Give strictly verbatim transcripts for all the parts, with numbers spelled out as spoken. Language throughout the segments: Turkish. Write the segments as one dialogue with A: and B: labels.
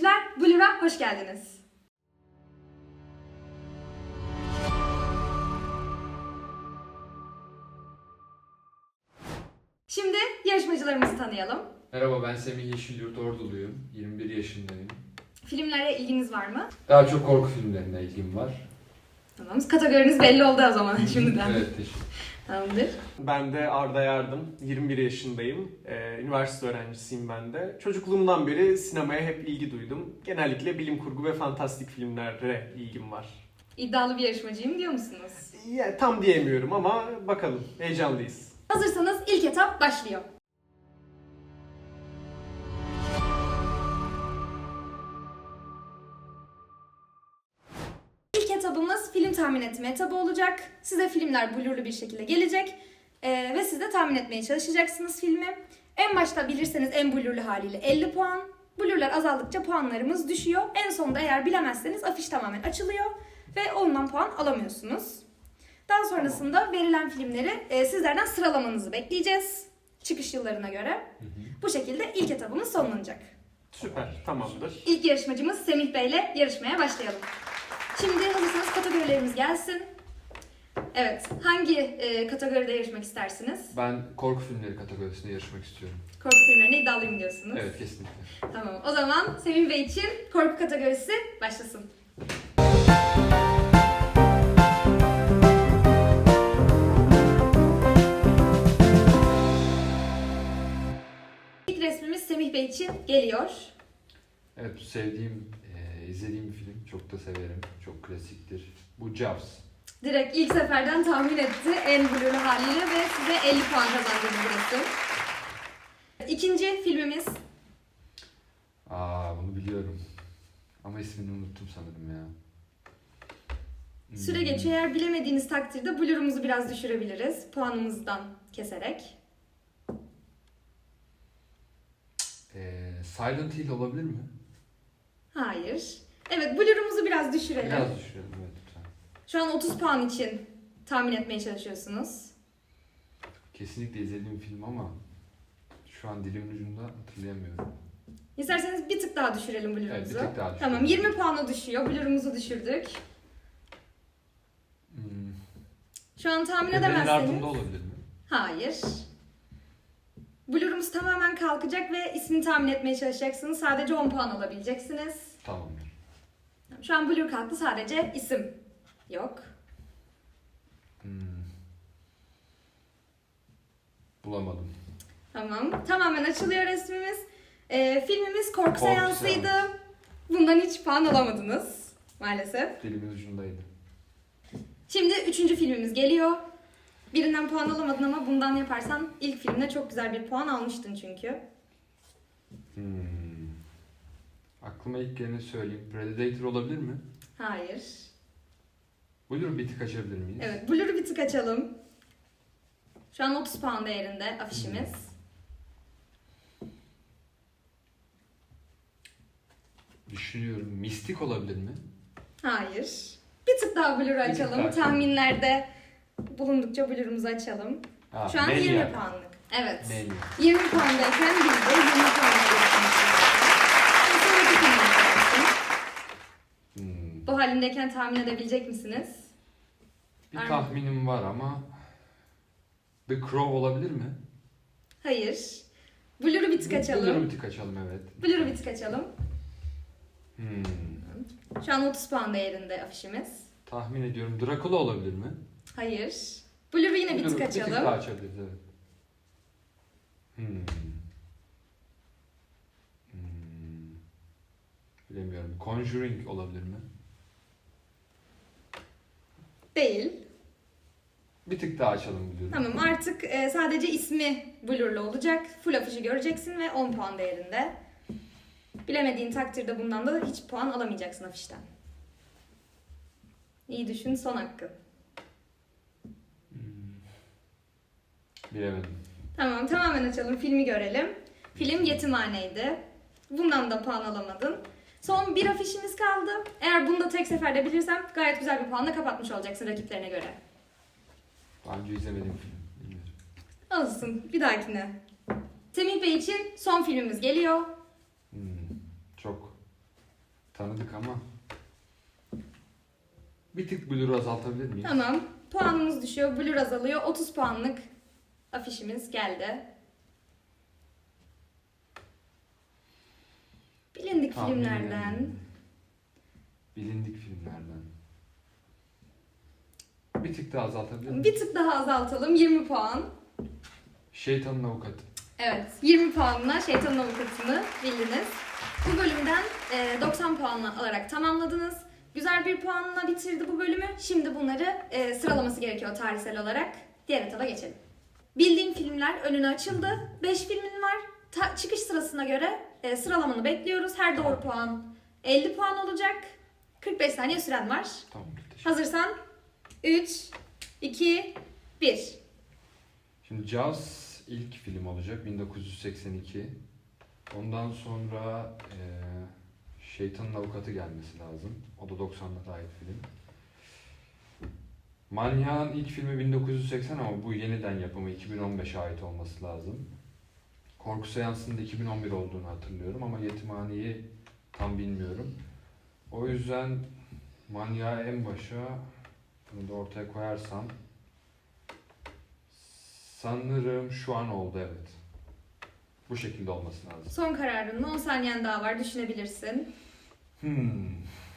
A: seyirciler, Blur'a hoş geldiniz. Şimdi yarışmacılarımızı tanıyalım.
B: Merhaba, ben Semih Yeşilyurt, Orduluyum. yirmi bir yaşındayım.
A: Filmlere ilginiz var mı?
B: Daha çok korku filmlerine ilgim var.
A: Tamam, kategoriniz belli oldu o zaman şimdiden.
B: Evet, teşekkür
A: Tamamdır.
C: Ben de Arda Yardım, yirmi bir yaşındayım. Ee, üniversite öğrencisiyim ben de. Çocukluğumdan beri sinemaya hep ilgi duydum. Genellikle bilim kurgu ve fantastik filmlere ilgim var.
A: İddialı bir yarışmacıyım diyor musunuz?
C: Ya, tam diyemiyorum ama bakalım, heyecanlıyız.
A: Hazırsanız ilk etap başlıyor. İlk etabımız film tahmin etme etabı olacak. Size filmler blurlu bir şekilde gelecek. Ee, ve siz de tahmin etmeye çalışacaksınız filmi. En başta bilirseniz en blurlu haliyle elli puan. Blurlar azaldıkça puanlarımız düşüyor. En sonunda eğer bilemezseniz afiş tamamen açılıyor. Ve ondan puan alamıyorsunuz. Daha sonrasında verilen filmleri e, sizlerden sıralamanızı bekleyeceğiz. Çıkış yıllarına göre.
B: Hı hı.
A: Bu şekilde ilk etabımız sonlanacak.
C: Süper, tamamdır.
A: İlk yarışmacımız Semih Bey ile yarışmaya başlayalım. Şimdi hazırsanız kategorilerimiz gelsin. Evet, hangi e, kategoride yarışmak istersiniz?
B: Ben korku filmleri kategorisinde yarışmak istiyorum.
A: Korku filmlerine iddialıyım diyorsunuz.
B: Evet, kesinlikle.
A: Tamam, o zaman Semih Bey için korku kategorisi başlasın. İlk resmimiz Semih Bey için geliyor.
B: Evet, bu sevdiğim, e, izlediğim bir film. Çok da severim. Çok klasiktir. Bu Jaws.
A: Direkt ilk seferden tahmin etti en blurlu haliyle ve size elli puan kazandırdı bu resim. İkinci filmimiz.
B: Aa, bunu biliyorum. Ama ismini unuttum sanırım ya. Hmm.
A: Süre geçiyor. Eğer bilemediğiniz takdirde blurumuzu biraz düşürebiliriz. Puanımızdan keserek.
B: Ee, Silent Hill olabilir mi?
A: Hayır. Evet, blurumuzu biraz düşürelim.
B: Biraz düşürelim, evet lütfen.
A: Şu an otuz puan için tahmin etmeye çalışıyorsunuz.
B: Kesinlikle izlediğim film ama şu an dilimin ucunda hatırlayamıyorum.
A: İsterseniz bir tık daha düşürelim blurumuzu.
B: Evet, bir tık daha düşürelim.
A: Tamam, yirmi puana düşüyor. Blurumuzu düşürdük.
B: Hmm.
A: Şu an tahmin
B: Bebeğin
A: edemezseniz...
B: ardında olabilir mi?
A: Hayır. Blurumuz tamamen kalkacak ve ismini tahmin etmeye çalışacaksınız. Sadece on puan alabileceksiniz.
B: Tamamdır.
A: Şu an blur kalktı, sadece isim yok.
B: Hmm. Bulamadım.
A: Tamam. Tamamen açılıyor resmimiz. Ee, filmimiz Korku,
B: Korku
A: Seansı'ydı.
B: Seansı.
A: Bundan hiç puan alamadınız maalesef.
B: Dilimin ucundaydı.
A: Şimdi üçüncü filmimiz geliyor. Birinden puan alamadın ama bundan yaparsan ilk filmde çok güzel bir puan almıştın çünkü.
B: Hmm. Aklıma ilk geleni söyleyeyim. Predator olabilir mi?
A: Hayır.
B: Blur bir tık açabilir miyiz?
A: Evet, Blur'u bir tık açalım. Şu an otuz puan değerinde afişimiz.
B: Düşünüyorum. Mistik olabilir mi?
A: Hayır. Bir tık daha Blur'u
B: tık
A: açalım.
B: daha açalım.
A: Tahminlerde bulundukça Blur'umuzu açalım.
B: Ha,
A: Şu an
B: Mania.
A: yirmi puanlık. Evet.
B: Mania.
A: yirmi puandayken biz de yirmi puanla geçmişiz. Sonraki filmimiz gelsin.
B: Hmm.
A: Bu halindeyken tahmin edebilecek misiniz?
B: Bir
A: Var mı?
B: tahminim var ama The Crow olabilir mi?
A: Hayır. Blur'u bir tık açalım.
B: Blur'u bir tık açalım, evet.
A: Blur'u bir tık açalım.
B: Hmm.
A: Şu an otuz puan değerinde afişimiz.
B: Tahmin ediyorum. Dracula olabilir mi?
A: Hayır. Blur'u yine bir
B: Blur'u
A: tık
B: Bir tık
A: açalım.
B: daha açabiliriz, evet. Hmm. Hmm. Bilemiyorum. Conjuring olabilir mi?
A: Değil.
B: Bir tık daha açalım Blur'u.
A: Tamam, artık e, sadece ismi blurlu olacak. Full afişi göreceksin ve on puan değerinde. Bilemediğin takdirde bundan da hiç puan alamayacaksın afişten. İyi düşün, son hakkın.
B: Hmm. Bilemedim.
A: Tamam, tamamen açalım, filmi görelim. Film Yetimhaneydi. Bundan da puan alamadın. Son bir afişimiz kaldı. Eğer bunu da tek seferde bilirsem gayet güzel bir puanla kapatmış olacaksın rakiplerine göre.
B: Daha önce izlemediğim film. Bilmiyorum.
A: Olsun, bir dahakine. Semih Bey için son filmimiz geliyor.
B: Hmm. Çok Tanıdık ama. Bir tık blur azaltabilir miyiz?
A: Tamam. Puanımız düşüyor. Blur azalıyor. otuz puanlık afişimiz geldi. Bilindik
B: Tahmin
A: filmlerden.
B: edelim. Bilindik filmlerden. Bir tık daha azaltabilir miyiz?
A: Bir tık daha azaltalım. yirmi puan.
B: Şeytanın Avukatı.
A: Evet. yirmi puanla Şeytanın Avukatı'nı bildiniz. Bu bölümden e, doksan puanla alarak tamamladınız. Güzel bir puanla bitirdi bu bölümü. Şimdi bunları e, sıralaması gerekiyor tarihsel olarak. Diğer etaba geçelim. Bildiğim filmler önüne açıldı. beş filmin var. Ta- çıkış sırasına göre e, sıralamanı bekliyoruz. Her doğru puan elli puan olacak. kırk beş saniye süren var.
B: Tamam. Teşekkür.
A: Hazırsan üç, iki, bir.
B: Şimdi Jaws ilk film olacak. bin dokuz yüz seksen iki. Ondan sonra e, Şeytanın Avukatı gelmesi lazım. O da doksanlara ait film. Manyak'ın ilk filmi bin dokuz yüz seksen ama bu yeniden yapımı iki bin on beşe ait olması lazım. Korku Seansı'nın da iki bin on bir olduğunu hatırlıyorum ama Yetimhane'yi tam bilmiyorum. O yüzden Manyak'ı en başa, bunu da ortaya koyarsam sanırım şu an oldu, evet. Bu şekilde olması lazım.
A: Son kararın on saniyen daha var. Düşünebilirsin.
B: Hmm.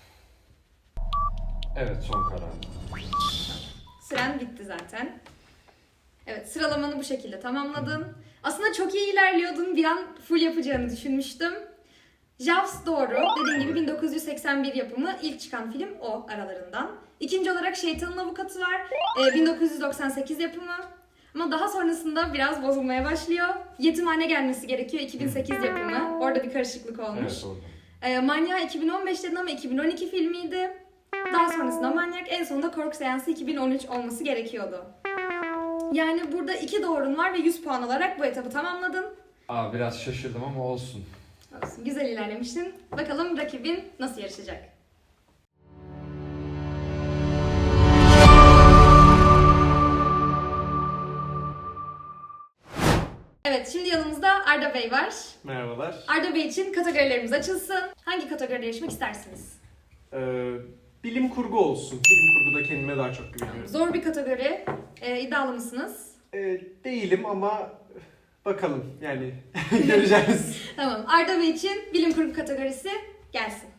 B: Evet, son karar.
A: Süren bitti zaten. Evet, sıralamanı bu şekilde tamamladın. Aslında çok iyi ilerliyordun. Bir an full yapacağını düşünmüştüm. Jaws doğru. Dediğim gibi bin dokuz yüz seksen bir yapımı ilk çıkan film o aralarından. İkinci olarak Şeytanın Avukatı var. Ee, bin dokuz yüz doksan sekiz yapımı. Ama daha sonrasında biraz bozulmaya başlıyor. Yetimhane gelmesi gerekiyor. iki bin sekiz yapımı. Orada bir karışıklık olmuş.
B: Evet, oldu.
A: Ee, Manyak iki bin on beş dedin ama iki bin on iki filmiydi. Daha sonrasında Manyak, en sonunda Korku Seansı iki bin on üç olması gerekiyordu. Yani burada iki doğrun var ve yüz puan alarak bu etabı tamamladın.
B: Aa, biraz şaşırdım ama olsun.
A: Olsun, güzel ilerlemiştin. Bakalım rakibin nasıl yarışacak? Evet, şimdi yanımızda Arda Bey var.
C: Merhabalar.
A: Arda Bey için kategorilerimiz açılsın. Hangi kategoride yarışmak istersiniz?
C: Ee, bilim kurgu olsun. Bilim kurguda kendime daha çok güveniyorum.
A: Zor bir kategori. Ee, iddialı mısınız?
C: Ee, değilim ama bakalım yani göreceğiz.
A: Tamam. Arda Bey için bilim kurgu kategorisi gelsin.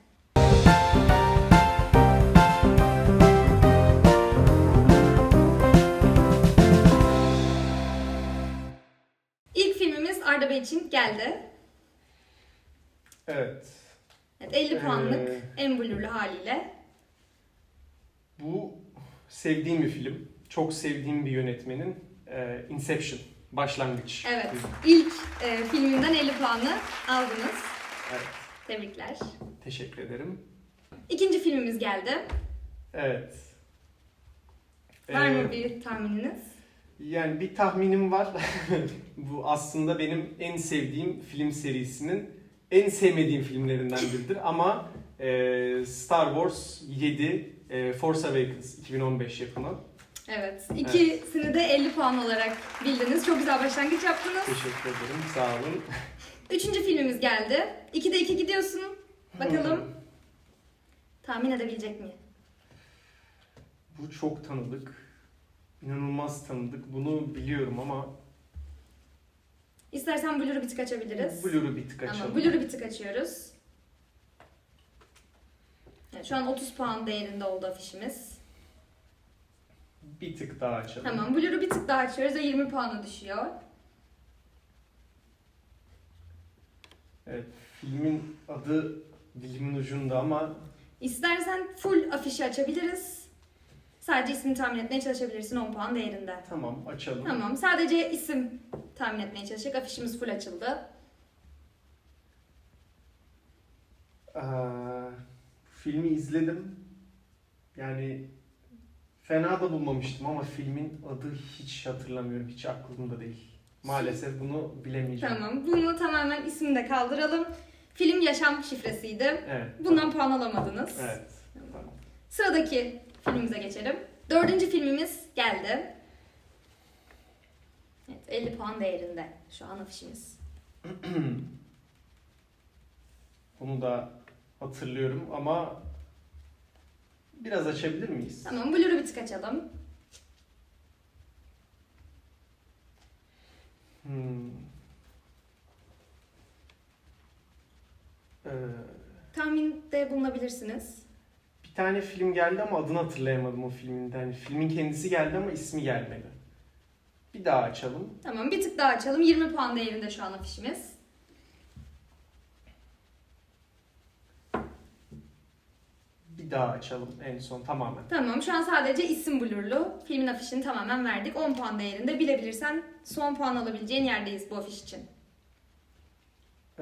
A: İlk filmimiz Arda Bey için geldi.
C: Evet.
A: Evet, elli puanlık
C: Ee,
A: en blurlu haliyle.
C: Bu sevdiğim bir film. Çok sevdiğim bir yönetmenin e, Inception. Başlangıç.
A: Evet. İlk e, filminden elli puanı aldınız.
C: Evet.
A: Tebrikler.
C: Teşekkür ederim.
A: İkinci filmimiz geldi.
C: Evet.
A: Var
C: Ee,
A: mı bir tahmininiz?
C: Yani bir tahminim var. Bu aslında benim en sevdiğim film serisinin en sevmediğim filmlerinden biridir. Ama e, Star Wars yedi, e, Force Awakens iki bin on beş yapımı.
A: Evet. İkisini de elli puan olarak bildiniz. Çok güzel başlangıç yaptınız.
C: Teşekkür ederim. Sağ olun.
A: Üçüncü filmimiz geldi. ikide iki gidiyorsun. Bakalım
C: Hmm.
A: tahmin edebilecek mi?
C: Bu çok tanıdık. İnanılmaz tanıdık. Bunu biliyorum ama
A: İstersen Blur'u bir tık açabiliriz.
C: Blur'u bir tık açalım.
A: Tamam, Blur'u bir tık açıyoruz. Evet, şu an otuz puan değerinde oldu afişimiz.
C: Bir tık daha açalım.
A: Tamam, Blur'u bir tık daha açıyoruz ve yirmi puana düşüyor.
C: Evet, filmin adı dilimin ucunda ama
A: İstersen full afişi açabiliriz. Sadece ismini tahmin etmeye çalışabilirsin on puan değerinde.
C: tamam açalım.
A: Tamam, sadece isim tahmin etmeye çalışacak. Afişimiz full açıldı.
C: Ee, filmi izledim. Yani fena da bulmamıştım ama filmin adı hiç hatırlamıyorum. Hiç aklımda değil. Maalesef bunu bilemeyeceğim.
A: Tamam, bunu tamamen ismini de kaldıralım. Film Yaşam Şifresi'ydi.
C: Evet.
A: Bundan
C: tamam.
A: puan alamadınız.
C: Evet. Tamam.
A: Sıradaki filmimize geçelim. Dördüncü filmimiz geldi. Evet, elli puan değerinde şu an afişimiz.
C: Bunu da hatırlıyorum ama biraz açabilir miyiz?
A: Tamam, Blur'u bir tık açalım.
C: Hmm. Ee,
A: Tahminde bulunabilirsiniz.
C: bir tane film geldi ama adını hatırlayamadım o filmin. Yani filmin kendisi geldi ama ismi gelmedi. Bir daha açalım.
A: Tamam, bir tık daha açalım. yirmi puan değerinde şu an afişimiz.
C: Bir daha açalım en son tamamen.
A: Tamam, şu an sadece isim Blur'lu. Filmin afişini tamamen verdik. on puan değerinde. Bilebilirsen son puan alabileceğin yerdeyiz bu afiş için.
C: Ee,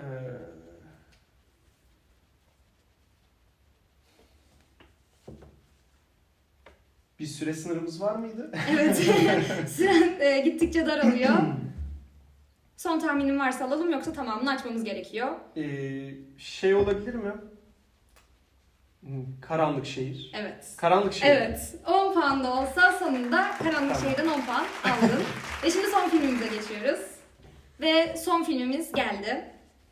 C: bir süre sınırımız var mıydı?
A: Evet, süren e, gittikçe daralıyor. Son tahminin varsa alalım, yoksa tamamını açmamız gerekiyor.
C: Ee, şey olabilir mi? Hmm, Karanlık Şehir.
A: Evet.
C: Karanlık Şehir.
A: Evet, on puan da olsa sonunda Karanlık
C: Tamam.
A: Şehir'den on puan aldın. Ve şimdi son filmimize geçiyoruz. Ve son filmimiz geldi.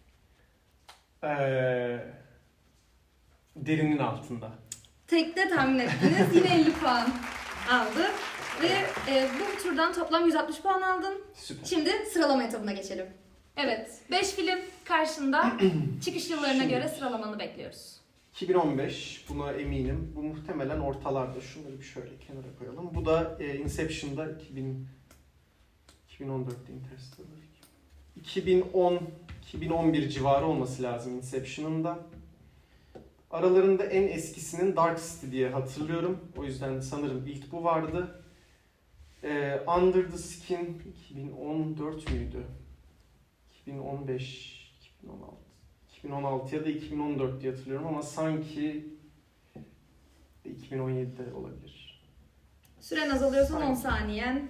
C: Ee, derinin altında.
A: Tekte tahmin ettiniz, yine elli puan aldı. Ve e, bu turdan toplam yüz altmış puan aldın.
C: Süper.
A: Şimdi sıralama etabına geçelim. Evet, beş film karşında. Çıkış yıllarına
C: Şimdi-
A: göre sıralamanı bekliyoruz.
C: iki bin on beş, buna eminim. Bu muhtemelen ortalarda. Şunları bir şöyle kenara koyalım. Bu da e, Inception'da iki bin, iki bin on dörtte Interstellar. iki bin on, iki bin on bir civarı olması lazım Inception'ın da. Aralarında en eskisinin Dark City diye hatırlıyorum. O yüzden sanırım ilk bu vardı. E, Under the Skin iki bin on dört müydü? iki bin on beş, iki bin on altı. iki bin on altı ya da iki bin on dört diye hatırlıyorum ama sanki iki bin on yedide olabilir.
A: Süren azalıyor, son on
C: Aynen.
A: saniyen.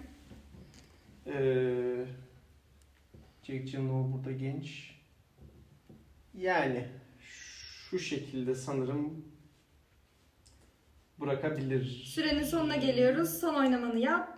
C: Ee, Jake Gyllenhaal burada genç. Yani şu şekilde sanırım bırakabilir.
A: Sürenin sonuna geliyoruz. Son oynamanı yap.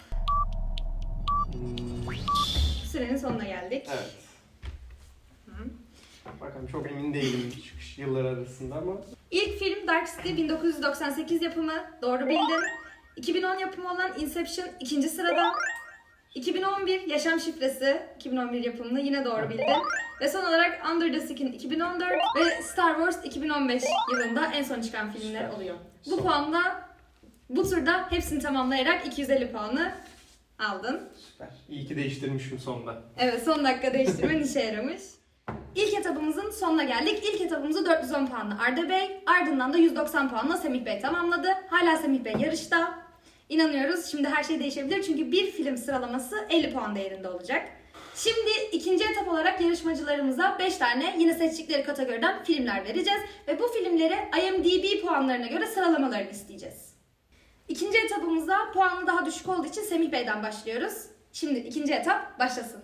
C: Hmm,
A: Sürenin sonuna geldik.
C: evet.
A: Hı.
C: Bakalım, çok emin değilim çıkış yılları arasında ama.
A: İlk film Dark City bin dokuz yüz doksan sekiz yapımı. Doğru bildin. iki bin on yapımı olan Inception ikinci sırada. iki bin on bir Yaşam Şifresi iki bin on bir yapımını yine doğru bildin. Ve son olarak Under the Skin iki bin on dört ve Star Wars iki bin on beş yılında en son çıkan filmler
C: Süper.
A: oluyor. Bu
C: Son.
A: puanla bu turda hepsini tamamlayarak iki yüz elli puanı aldın.
C: Süper. İyi ki değiştirmişim sonda.
A: Evet, son dakika değiştirmen işe yaramış. İlk etabımızın sonuna geldik. İlk etabımızı dört yüz on puanla Arda Bey, ardından da yüz doksan puanla Semih Bey tamamladı. Hala Semih Bey yarışta. İnanıyoruz şimdi her şey değişebilir çünkü bir film sıralaması elli puan değerinde olacak. Şimdi ikinci etap olarak yarışmacılarımıza beş tane yine seçtikleri kategoriden filmler vereceğiz. Ve bu filmleri I M D B puanlarına göre sıralamalarını isteyeceğiz. İkinci etapımızda puanı daha düşük olduğu için Semih Bey'den başlıyoruz. Şimdi ikinci etap başlasın.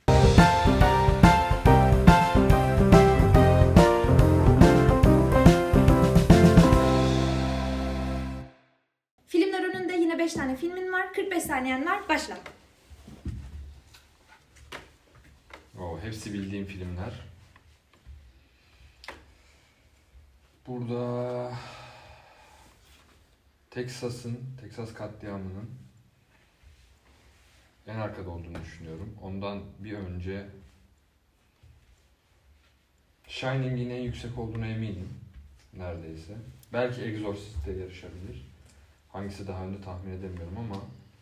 A: Filmler önünde yine beş tane filmin var. kırk beş saniyen var. Başla.
B: O hepsi bildiğim filmler. Burada Texas'ın, Texas katliamının en arkada olduğunu düşünüyorum. Ondan bir önce Shining'in en yüksek olduğuna eminim. Neredeyse. Belki Exorcist'te yarışabilir. Hangisi daha önde tahmin edemiyorum ama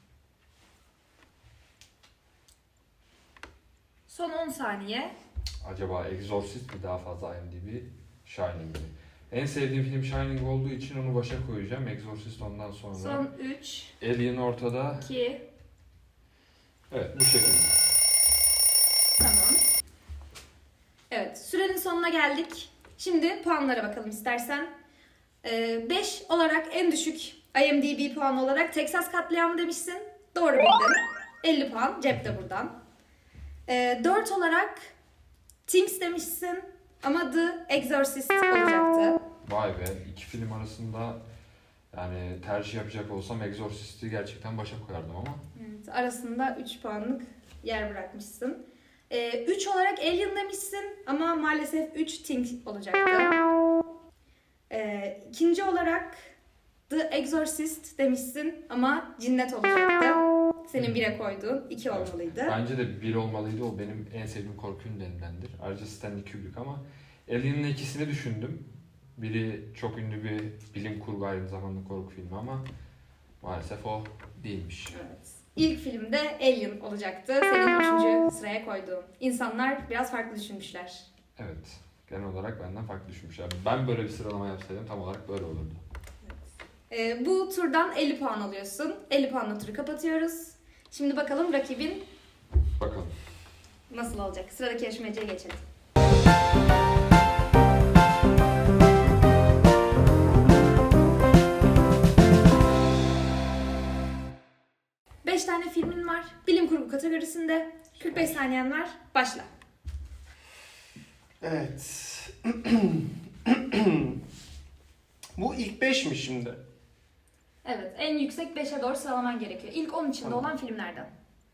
A: Son on saniye.
B: acaba Exorcist mi daha fazla I M D B, Shining mi? En sevdiğim film Shining olduğu için onu başa koyacağım. Exorcist ondan sonra.
A: Son üç,
B: Alien ortada.
A: iki,
B: Evet, bu şekilde.
A: tamam. Evet, sürenin sonuna geldik. Şimdi puanlara bakalım istersen. beş olarak en düşük I M D B puan olarak Texas katliamı demişsin. Doğru bildin. elli puan cepte buradan. Ee, dört olarak Things demişsin ama The Exorcist olacaktı.
B: Vay be, iki film arasında yani tercih yapacak olsam Exorcist'i gerçekten başa koyardım ama.
A: Evet, arasında üç puanlık yer bırakmışsın. Ee, üç olarak Alien demişsin ama maalesef üç Things olacaktı. Ee, ikinci olarak The Exorcist demişsin ama cinnet olacaktı. Senin bire koyduğun iki
B: Evet.
A: olmalıydı.
B: Bence de bir olmalıydı. O benim en sevdiğim korku filmlerindendir. Ayrıca Stanley Kubrick ama Alien'ın ikisini düşündüm. Biri çok ünlü bir bilim kurgu, aynı zamanda korku filmi ama maalesef o değilmiş.
A: Evet. İlk filmde Alien olacaktı. Senin üçüncü sıraya koyduğun. İnsanlar biraz farklı düşünmüşler.
B: Evet. Genel olarak benden farklı düşünmüşler. Ben böyle bir sıralama yapsaydım tam olarak böyle olurdu.
A: Ee, bu turdan elli puan alıyorsun. elli puanla turu kapatıyoruz. Şimdi bakalım rakibin
B: Bakalım.
A: nasıl olacak? Sıradaki yarışmacıya geçelim. Beş tane filmin var. Bilim kurgu kategorisinde. kırk beş saniyen var. Başla.
C: Evet. Bu ilk beş mi şimdi?
A: Evet, en yüksek beşe doğru sıralaman gerekiyor. İlk on içinde
C: Tamam.
A: olan filmlerden.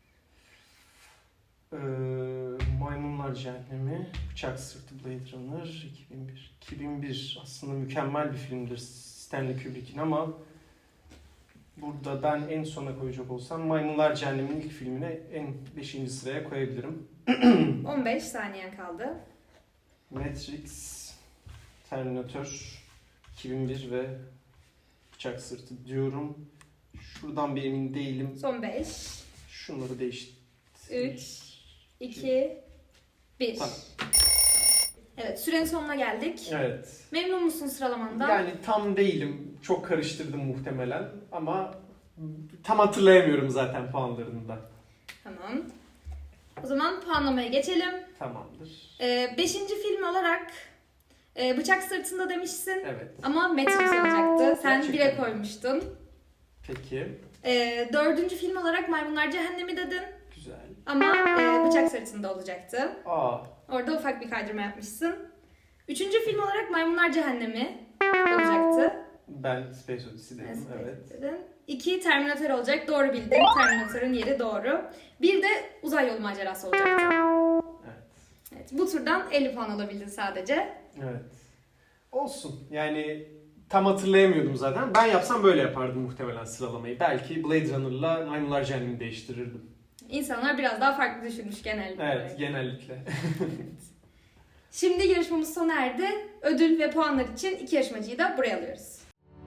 C: Ee, Maymunlar Cehennemi, Bıçak Sırtı, Blade Runner, iki bin bir. iki bin bir aslında mükemmel bir filmdir Stanley Kubrick'in ama burada ben en sona koyacak olsam Maymunlar Cehennemi'nin ilk filmine en beşinci sıraya koyabilirim.
A: on beş saniyen kaldı.
C: Matrix, Terminator, iki bin bir ve Bıçak Sırtı diyorum. Şuradan bir emin değilim.
A: Son beş,
C: Şunları değiştir.
A: üç, iki, bir.
C: Tamam.
A: Evet, sürenin sonuna geldik.
C: Evet.
A: Memnun musun sıralamandan?
C: Yani tam değilim. Çok karıştırdım muhtemelen ama tam hatırlayamıyorum zaten puanlarını da.
A: Tamam. O zaman puanlamaya geçelim.
C: Tamamdır.
A: Ee, beşinci film olarak e, Bıçak Sırtında demişsin.
C: Evet.
A: Ama Matrix olacaktı. Sen
C: Gerçekten
A: bire
C: mi?
A: koymuştun.
C: Peki.
A: Ee, dördüncü film olarak Maymunlar Cehennemi dedin.
C: Güzel.
A: Ama e, Bıçak Sırtında olacaktı.
C: Aa.
A: Orada ufak bir kaydırma yapmışsın. Üçüncü film olarak Maymunlar Cehennemi olacaktı.
C: Ben Space Odyssey dedim. Evet.
A: Dedin. İki Terminator olacak. Doğru bildin. Terminator'ın yeri doğru. Bir de Uzay Yolu Macerası olacaktı.
C: Evet.
A: Evet, bu turdan elli puan alabildin sadece.
C: Evet. Olsun. Yani tam hatırlayamıyordum zaten. Ben yapsam böyle yapardım muhtemelen sıralamayı. Belki Blade Runner'la Maymunlar Cehennemi'ni değiştirirdim.
A: İnsanlar biraz daha farklı düşünmüş genel olarak.
C: Evet, genellikle.
A: Şimdi yarışmamız sona erdi. Ödül ve puanlar için iki yarışmacıyı da buraya alıyoruz.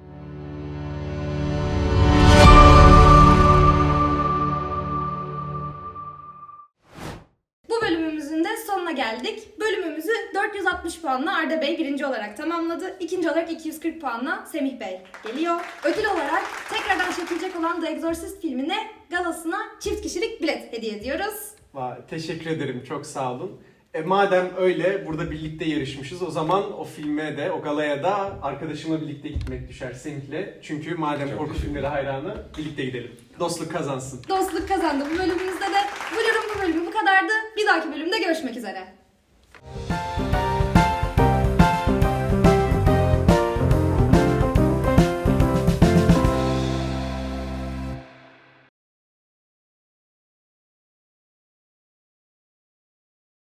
A: Bu bölümümüzün de sonuna geldik. Bölümümüzü dört yüz altmış puanla Arda Bey birinci olarak tamamladı. İkinci olarak iki yüz kırk puanla Semih Bey geliyor. Ödül olarak tekrardan çekilecek olan The Exorcist filmine galasına çift kişilik bilet hediye ediyoruz.
C: Vay, teşekkür ederim. Çok sağ olun. E, madem öyle burada birlikte yarışmışız o zaman o filme de o galaya da arkadaşımla birlikte gitmek düşer Semih'le. Çünkü madem
B: Çok
C: korku
B: teşekkür
C: filmleri hayranı birlikte gidelim. Dostluk kazansın.
A: Dostluk kazandı bu bölümümüzde de. Bu yorum bu bölümü bu kadardı. Bir dahaki bölümde görüşmek üzere.